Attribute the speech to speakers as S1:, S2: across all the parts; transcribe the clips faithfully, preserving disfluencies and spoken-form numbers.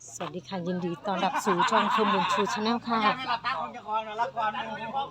S1: สวัสดีค่ะยินดีต้อนรับสู่ช่องเฟิร์มบุญชูชาแนลค่ะ
S2: ไม่ละตาคนจะคอนละครมัน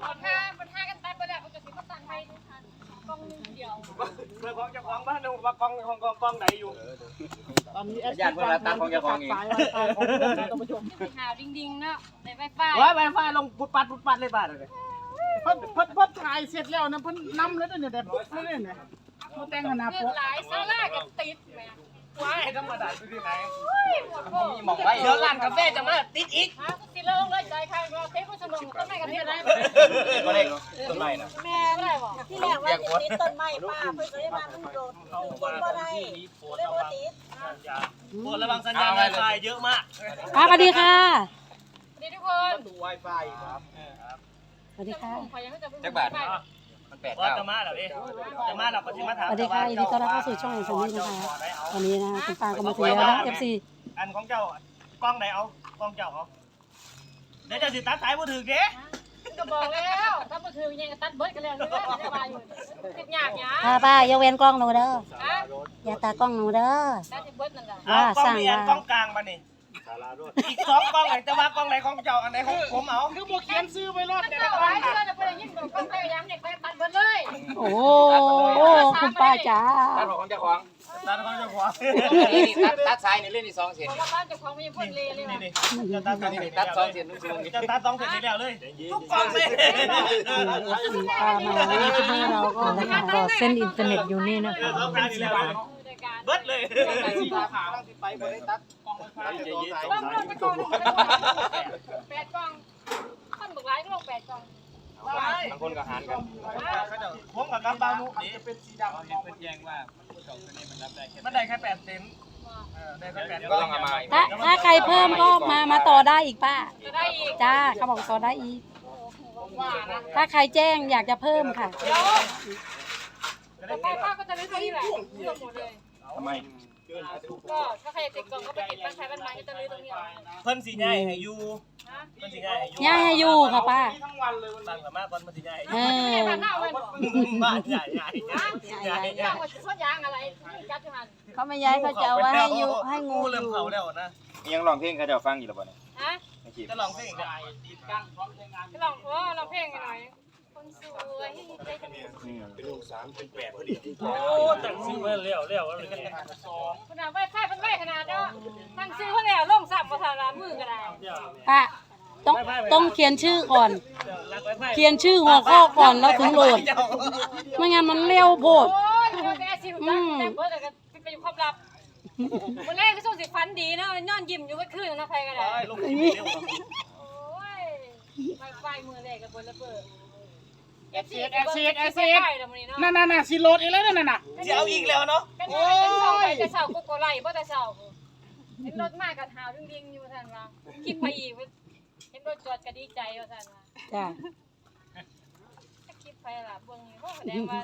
S3: ถ้ามันท่ากันตายไปแล้วมันจะสิมาตันไปทุกทันกล้องนึงเดียว
S2: เรื่องของเจ้าของบ้านดูว่ากองของกองกองไหนอยู่ตอนนี้แอด
S4: ญาติคนละตาของเจ้าของเอง
S2: สายไวไฟของท่านผู้ชม
S3: หาวดิ่งๆเนาะในไฟไฟ
S2: ว้ายไวไฟลงปุดปัดปุดปัดเลยบ้านเลยเพิ่นเพิ่นเพิ่นถ่ายเสร็จแล้วนะเพิ่นนำแล้วเนี่ยแต่ปุ๊บเลยเนี่ยมาแต่งขนาด
S3: เลือ
S2: ปุ๊
S3: ดไหลซาร่ากับติดแม่
S2: ว้ายธรรมดาอยู่ที่ไหน
S3: ปวดโผล่
S4: มองไว้
S2: เดี๋ยวร้านกาแฟจะมาติดอีก
S3: ฮะกูติดแล้วเลยใจใครเราเทปผู้ชมต้นไม้กันนี่ได้
S4: ก็ได้ต้นไม้นะ
S3: แม่ได้บ่
S5: ที่แรกว่าจะติดต้นไม้ป้าเพื่อจะได้มาลูกโดดต้นก็ได้เลยว่าติด
S2: โปรดระวังสัญญาณไวไฟเยอะมาก
S1: ค่ะสวัสดีค่ะ
S3: ดีทุกคน
S4: ดูไวไฟครับ
S1: สวัสดีค่ะ
S3: ขอยังไม่จะ
S4: จักบาทมันแปด
S2: ว่า
S4: เก้า
S2: จะมาเหรอพี่จะมาเราก็จะมาถาม
S1: สวัสดีค่ะยินดีต้อนรับเข้าสู่ช่องแห่งสมิธนะคะวันนี้นะคุณป้าก็มาถึงแล้วนะ เอฟ ซี
S2: อันของเจ้ากล้องไหนเอากล้องเจ้าเอาเดี๋ยวจะสิตัดสายมือถือเด้
S3: ก็บอกแล้วถ้ามาถึงยังตัดเบิร์ดกันแล้วนี่แหละได้มาอยู่ติดยากหยา
S1: ป้าป้าอย่าเว้นกล้องหนูเด้อ
S3: ฮะ
S1: อย่าตากล้องหนูเด้อ
S3: ได้ติดเบิร์ดนั่นแหละ
S2: เอากล้องนี้อันกล้องกลางมานี่อีกสองกล้องไหนจะว่ากล้องไหนของเจ้าอันไหนของผมเอาคือบ่เขียนซื้อไว้รอด
S3: มัน
S2: แต่
S3: ก็
S2: ละกล้
S3: ไว้
S2: อง
S3: เพื่อนจะไปยิงโดนกล้องพยายามเด็กไปตัดเบิร์ดเลย
S1: โอ้โหคุณป้าจ๋า
S4: ตัดของเจ้าของ
S2: ตัดของเจ้าของ
S4: ตัดตัดสายนี่เล่นนี่สองเส้น
S3: เพราะว่าบ้านเจ้าของไม่ยังพ่นเลเลย
S2: นี่
S3: ว่ะ
S2: นี่จะตัดสอง
S4: นี่
S2: เส้น
S4: ตัดสองเส้นนุ่งๆนี่
S2: จะตัดสองเส้นนี้แล้วเลยทุกกล้องเลย
S1: เอฟซีป้ามาวันนี้ที่บ้านเราก็นะคะก็เส้นอินเทอร์เน็ตอยู่นี่นะคะ
S2: สองการนี่แล้วเบิดเลยสีขาวไปบ่ได้ตัดกล้องไฟฟ้าจะยืด
S3: บ้านเราจะกองแปดกองคนบอกร้ายก็ลงแปดกอง
S4: บางคนก็หารกัน
S2: ผมกับกำบานุนี่เป็นสีดำเป็นแยงว่ามันได้แค่แปดเซนได้แค่แปด
S4: ก็ต้องเอามา
S1: ถ้าถ้าใครเพิ่มก็มามาต่อได้อีกป้า
S3: จะได้อีก
S1: จ้าเขาบอกต่อได้อีก ถ้าใครแจ้งอยากจะเพิ่มค่ะ
S3: เดี๋ยวแต่ป้าป้าก็จะได้เท่านี้แหละรวมหมดเลย
S4: ทำไม
S3: ก็ถ้าใครติดกล่องก็ไปติดบ้านใครบ้านมันก็จะเลยตรงนี้
S2: เพิ่นสีใหญ่ให้อยู่
S3: นะ
S2: เพิ่นสีใหญ่ให้อยู่
S1: ย่าให้อยู่ค่ะป้า
S2: ตั้งสามารถก่อนมันสีใหญ่
S1: เอ
S3: ไม่
S1: อ
S3: ได้บ้านหน้าไว้หรอ
S2: บ้านใหญ่ใหญ่ใหญ่ใหญ่
S3: ยางว่าสวนยางอะไรจัดที่มัน
S1: เขาไม่ย้ายเขาจะเอาไว้ให้อยู่ให้งูอ
S2: เริ่ม
S1: ยู่
S2: เผาแล้วนะ
S4: ยังร้องเพลงเขาจะฟังอยู่หรือเปล่าเนี่ย
S3: ฮะ
S4: ไม่คิด
S2: จะลองเพลงได้
S3: ก็ลองโอ้เราเพลงกันหน่อยคนสวยใจจะมี
S4: อืม
S2: โอ้แต่งซิ่งมาแล้วแล้วอะไรกัน
S3: ขนาดไว้ไฟเป็นไว้ขนาดเนาะตั้งซื้อเขาแล้วลงสับภาษาลามือก็ได้
S1: ป้าต้องต้องเขียนชื่อก่อน
S2: รักไว้ไพ่
S1: เขียนชื่อหัวข้อก่อนแล้วถึงโหลด ไม่งั้นมันเร็วโพด
S3: โอ้ยมันก็แอซิวจังแต่เบิร์ดก็เป็นอยู่ความลับวันแรกก็ส่งสิฟันดีนะนอนยิ้มอยู่ก็คืนนะใครก็ได้
S2: ลงทีเร็ว
S3: โอ้ยไฟไฟมือแรกกับบนระเบิด
S2: แอดเซียดแอดเซียดแอดเซียด
S3: ไฟแล้วมันนี่เนาะ
S2: นั่นน่ะน่ะสิโหลดอีกแล้วนั่นน่ะจะเอาอีกแล้วเนาะ
S3: เป็นไงเป็นเสาไปแต่เสาโกโกไลบ่แต่เสาเห็นรถมากับหาวดิ่งๆอยู่ท่านว่าคิดไปอีกเห็นรถจอดก็ดีใจว่าท่านว่า
S1: จ้า
S3: ถ้าคิดไปล่ะเบิ่งนี่ก็แสดงว่า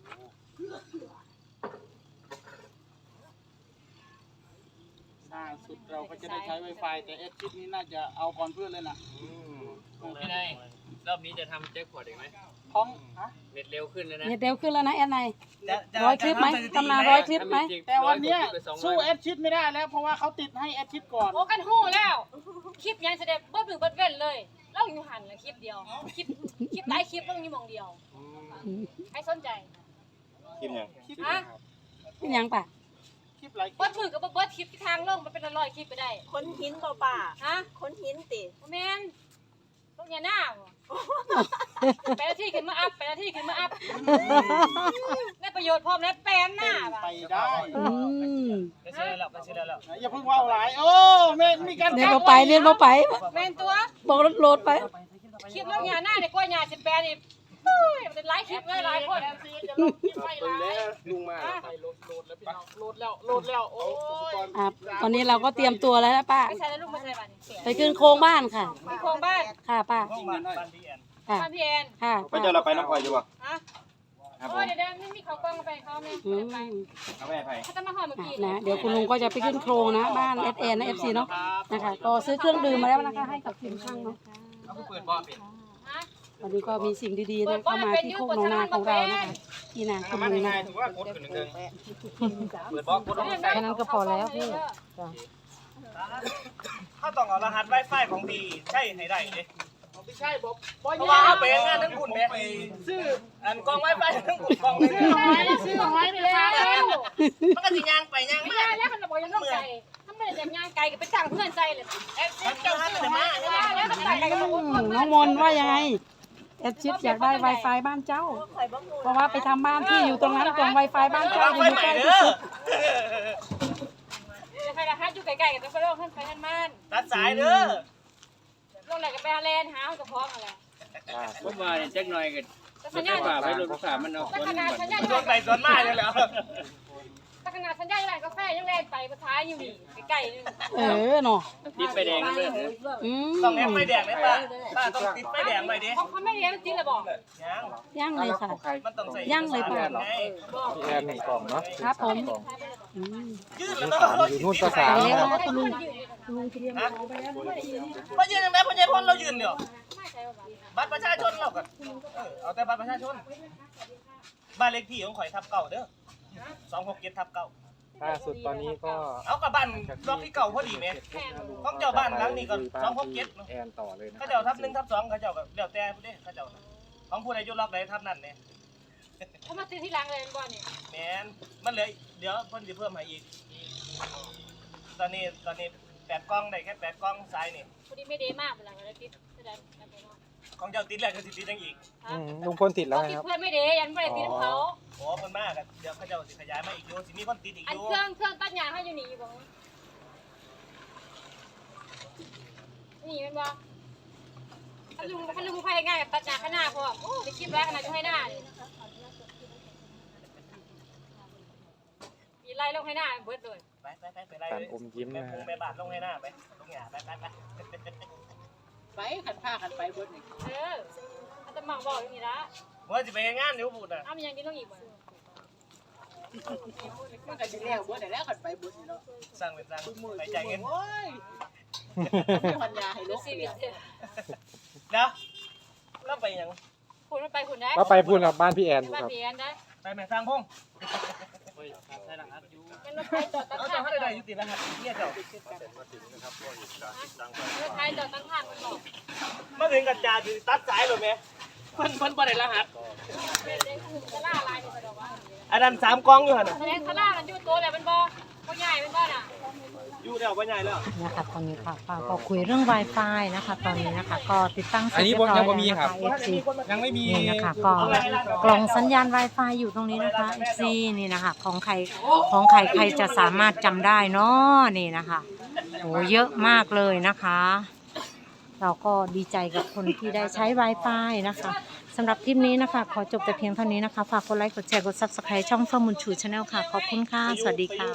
S2: ล่าสุดเราก็จะได้ใช้ Wi-Fi แต่แอดชิดนี้น่าจะเอาก่อนเพื่อนเลยนะ
S6: พี่นายรอบนี้จะทำแจ็คพอตอีกไหม
S2: ท้องฮะ
S6: เน็ตเร็วขึ้นแล้วนะ
S1: เน็ตเร็วขึ้นแล้วนะแอนไนร้อยคลิปไหมตำนานร้อยคลิปไหม
S2: แต่วันเนี้ยสู้แอดชิดไม่ได้แล้วเพราะว่าเขาติดให้แอดชิดก่อน
S3: โอ้กันฮู้แล้วคลิปยังแสดงเบิดมือเบิดเว้นเลยเราอยู่หันละคลิปเดียวคลิปคลิปหลายคลิปต้องอยู่หม่องเดียวใครสนใจ
S4: คิดยัง
S3: ฮะ
S1: เป็นยังป่ะ
S2: คลิปหลายคลิ
S3: เบิ
S2: ป
S3: ดมือกับเบิดคลิปที่ทางลงมันเป็นร้อยคลิปไปได้
S5: คนหินเปล่าป่า
S3: ฮะ
S5: คนหินติ
S3: บ่แม่นลงอย่าหน้าบ่แปดนาทีขึ้นมาอัพแปดนาทีขึ้นมาอัพได้ประโยชน์พร้อมแล้วแปลนหน้าบ่ะ
S2: ไปได้
S1: อืม
S2: ไปเชื่อแล้วไปเชื่อแล้วอย่าเพิ่งว่าหลายโอ้แม่มีการ
S1: เรียนมาไปเรียนมาไป
S3: แม่นตัว
S1: บอกรถโหลดไป
S3: คลิปลงอย่าหน้าเนี่ยกว่าหญ้าสิแปดนี่เฮ้ยมันหลายคลิปเลยหลายคน
S2: จะลงคลิปไปหลายลุงมาไปโหลดโหลดแล้วพี่น้องโหลดแล้วโหลดแล้วโอ้ย
S1: อ่ะตอนนี้เราก็เตรียมตัวแล้วนะป้า
S3: ไม่ใช่แล้วลูกไม่ใช่บ้านนี่
S1: ไปขึ้นโครงบ้านค่ะ
S3: มีโครงบ้าน
S1: ค่ะป้า
S2: ห้องบ้านบ้านดีแอน
S1: ค่ะ
S3: บ้านพี่แอน
S1: ค่ะ
S4: ไปเจ้าเราไปน้องพลอยอยู่ป่ะ
S3: ฮะ
S4: ครับผ
S3: โอ้
S4: ม
S3: เดี๋ยวเดี๋ยวไม่มีเขากล้องไปเขาไหม
S1: อืม
S3: ไป
S4: เอาไปให้ไผ่
S3: เขาจะมาห่อเมื่อกี้
S1: นะเดี๋ยวคุณลุงก็จะไปขึ้นโครงนะบ้านเอสเอ็นนะเอฟซีเนาะนะคะก็ซื้อเครื่องดื่มมาแล้วนะคะให้กับทีมช่างเนาะ
S4: เอาเปิดบ่อเป็น
S3: ฮะ
S1: วันนี้ก็มีสิ่งดีๆนะเข้ามาที่โคกหนองนาของเรานะคะที่นาคุณ
S4: มัน
S1: ลุง
S4: ง่า
S1: นะ
S4: ยถือว่ากดขึ้นหนึ่งเปิดบ่อกดลงใส่
S1: แค่นั้นก็พอแล้วพี่จ้ะ
S2: เขาต้องเอารหัส Wi-Fi ของดีใช่ให้ได้เด้
S7: ไม่ใช่บอก
S2: เพราะว่าเขาไปงานทั้งคุณแม่ซื้ออันกอง Wi-Fi ทั้งคุณกองนึง
S3: ซื้อหอยซื้อหอยไปแล้ว
S2: มันก็สิย่างไปย่าง
S3: ไม่
S2: มา
S3: ได้แล้วมันบอกยังต้องไก่ถ้าไม่ได้ย่างไก่ก็ไปจ้างเพื่อนใจเลยเอฟซีเจ้าซื้อมาแล้วก็ไก่ก็บอก
S1: อืมน้องมนว่ายังไงแอดชิดอยากได้ Wi-Fi บ้านเจ้า
S5: ข่อยบ่ฮู้
S1: เพราะว่าไปทำบ้านที่อยู่ตรงนั้นกล่อง Wi-Fi บ้านเจ้าอยู่
S2: ไฟ
S1: ใก
S2: ใหม่
S1: ล้ที่
S2: เด้อ
S1: สุด
S3: ใครละฮัทอยู่ไก่ๆกันไปโลกขึ้นไปท่านมัน
S2: ตัดสายเด้อ
S3: ลงไหนก็ไปฮาเลนหากับพร้อมอะไร
S6: ผมว่าเนี่ยแจ็คหน่อยกัน
S3: แต่สัญญาณ
S6: ฝ่าไปรถฝ่ามันเอา
S3: แต่
S6: คน
S3: ขนาดสัญญาณ
S2: ส่วนใดส่วนมาเลยแล้ว
S3: แต่ขนาดสัญญาณอะไรกาแฟยังแรงไปประท้ายอยู่นี่ไก่นึง
S1: เออเนาะ
S6: ดิบไปแดงเลย
S1: อืม
S2: ต้องแอมไฟแดงเลยป้าป้าต้องติดไฟแดงไปดิ
S3: เขาไม่เลี้ยงจริงเลยบอก
S2: ยัง
S1: ย่างเลยค่ะ
S2: มันต้องใส่
S1: ย่างเลยป้า
S2: ไง
S8: พี่แอนหนึ่งกล่องเนาะ
S1: ครับผมอืม
S2: ยืดแล้วเนาะ
S8: อยู่นู่นก็สาม
S1: ไปแล้ว
S8: นะ
S1: นะคุณลุง
S2: มายืนยังไงพ่อใหญ่พ่นเรายืนเดี๋ยว
S3: ไม่ใช่ว่า
S2: บัตรประชาชนเราก็เออเอาแต่บัตรประชาชนบ้านเลขที่ของข่อยทับเก่าเด้อสองหกเจ็ดทับเก่า
S8: ล่าสุดตอนนี้ก็
S2: เอากับบ้านรอบที่เก่าพอดีไหมของเจ้าบ้านหลังนี้ก็สองหกเจ็ด
S8: แอนต่อเลยนะ
S2: เขาเจ้าทับหนึ่งทับสองเขาเจ้าก็เดี๋ยวแต่ผู้ใดเขาเจ้าของผู้ใดยุล็อกใดทับนั่นเนี่ย
S3: เขามาซื้อที่ร้านเลยบ่เนี่ย
S2: แมนมันเหลือเดี๋ยวเพิ่นจะเพิ่มให้อีก ตอนนี้ตอนนี้แปดกล้องได้แค่แปดกล้องซ้ายนี่
S3: พอดีไม่เดมากเวลาเราติดแสดงกันไปเนาะ
S2: ของเจ้าติดแล้วก็สิติดยังอีก
S8: อืมลุงพลติดแล้ว
S3: ติด
S8: นะครับ
S3: เพื่อนไม่เดยันไม่ได้ติดเขา
S2: โอ้เพิ่นมากอะเดี๋ยวเขาเจ้าสิขยายมาอีกอยู่สิมีคนติดอีก
S3: อั
S2: อน ยู่
S3: เครื่องเครื่องตัดหญ้าเขาอยู่นี่อยู่บ่นี่มันบ่ถ้าลุงถ้าลุงไฟง่ายกับตัดหญ้าข้างหน้าพอโอ้ไปคลิปแรกขนาดจะให้หน้ามีไล่ลงให้หน้าเบิดเลย
S2: ไปไปไปไปไล่
S8: การอมยิ้ม
S2: แม่
S8: นะ
S2: พุง
S8: ฮะ
S2: แม่บาทลงให้หน้าไปลงหยาไปไปไป
S7: ไปขันผ้าขันไปเบิดนี่
S3: เอออาตมาบอกอย่างนี้ละ
S2: ว่าสิไปงานอยู่พูดน่ะ
S3: อ้ามันยังกินต้องอีกบ่
S7: มันก็สิแล้วเบิดได้แล้วขันไปเบิดนี่เนาะ
S2: สร้างเป็นสร้างไปจ่ายเงิน
S7: โอ้ยมีปัญญาให้ลู
S3: ดู
S7: ก
S3: ชี
S7: เสี
S3: วิ
S7: ย
S3: ตเนี่ย
S2: เดี๋ยวแล้วไปยัง
S3: คุณมันไปคุณได้
S8: ว่าไปพูดกับบ้านพี่แอน
S3: บ้าน
S8: ครับ
S3: เพียนได้
S2: ไปแม่สร้างพง
S6: ใช่ละครับอยู่
S3: มันรถไฟจอดตั้ง
S2: เอา
S3: ทา
S2: เจ้าง ให้ได้อยู่ติดรหัสเนี่ยเจ้าร
S3: ถไฟจอดตั้งทางมันบอก
S2: มาถึงกับจ่าสิตัดสายเลยไหมเพิ่นเพิ่นบ่ได้รหัส
S3: เป็นเด็กคุมทะล่าลายนี่บอกว่า
S2: อันนั้นสามกล้องอยู่หั่นน่ะ
S3: แสดงทะล่ามันอยู่ตัวแหละมันบอกก็ใหญ่เป็นบ้านอ่ะ
S2: อยู่แล้วบ่ใหญ่แล้ว
S9: นะคะตอนนี้ค่ะป้าก็คุยเรื่อง Wi-Fi นะคะ ตอนนี้นะคะ ก็ติดตั้งเสร็
S8: อั
S9: จ
S8: นนี้
S9: เรียบร้อย
S8: ยัง
S9: แล้ว
S8: บ่มี
S9: นะ
S8: ครั
S9: คะ
S8: บ
S9: เอฟซี
S8: ยังไม่มี
S9: นี่นะคะก็กล่องสัญญาณ Wi-Fi อยู่ตรงนี้นะคะ เอฟ ซี นี่นะคะ ของใครของใครใครจะสามารถจำได้เนาะนี่นะคะโอ้เยอะมากเลยนะคะ เราก็ดีใจกับคนที่ได้ใช้ Wi-Fi นะคะสำหรับคลิปนี้นะคะ ขอจบแต่เพียงเท่านี้นะคะ ฝากกดไลค์กดแชร์กด ซับสไครบ์ ช่องเฟื่องบุญชูชาแนลค่ะ ขอบคุณค่ะ สวัสดีค่ะ